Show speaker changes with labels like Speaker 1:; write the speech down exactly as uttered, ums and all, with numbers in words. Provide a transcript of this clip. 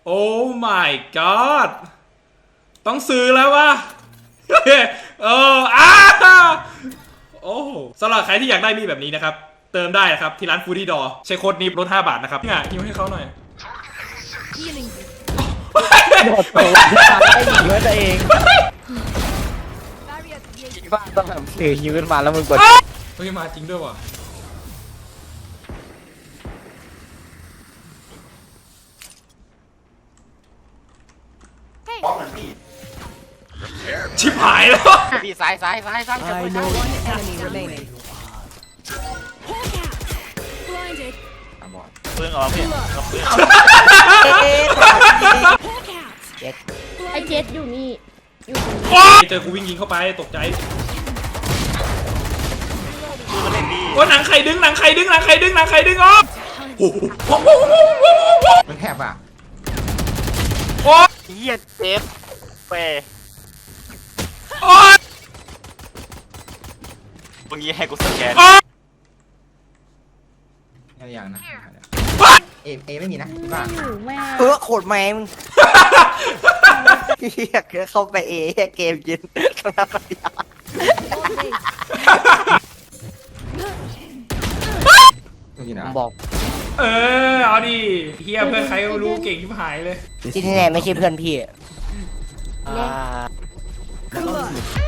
Speaker 1: โอ้ my god ต้องซื้อแล้ววะเอออ้าโอ้สำหรับใครที่อยากได้มีแบบนี้นะครับเติมได้นะครับที่ร้านฟูดี้ดอใช้โค้ดนี้ลดห้าบาทนะครับเนี่ยยิ้มให้เขาหน่อย
Speaker 2: โดดตัวได้ยิงด้วยตัวเองคิดว่าต้องแบบถือฮิวขึ้นมาแล้วมึงกด
Speaker 1: เฮ้ยมาจริงด้วยว่ะชิบหายแล้ว
Speaker 2: พี่ซ้ายซ้ายซ้ายซ้ายจะไปซ้าย
Speaker 3: เพื่อนออกพี่เพื่อน
Speaker 4: ไอเจ็ดอยู่นี่อยู่
Speaker 1: เจอกูวิ่งยิงเข้าไปตกใจ
Speaker 3: เล่นดี
Speaker 1: โอ้หนังไข่ดึงหนังไข่ดึงหนังไข่ดึงหนังไข่ดึงอ๋อ
Speaker 5: มันแคบอ่ะ
Speaker 1: โอ้
Speaker 3: เฮียเจ็บเป้
Speaker 1: โอ้
Speaker 3: มึงยี่ให้กูสแกน
Speaker 5: อย่างนะเอเอไม่มีนะพี่ป้า
Speaker 2: เออโคตรแมงเฮียเข้าไปเอเกมยินข้างหน้าปฏิญาณบอก
Speaker 1: เออเอาดิเฮียเพื่อนใครก็รู้เก่งที่หายเลย
Speaker 2: ที่แน่ไม่ใช่เพื่อนพี่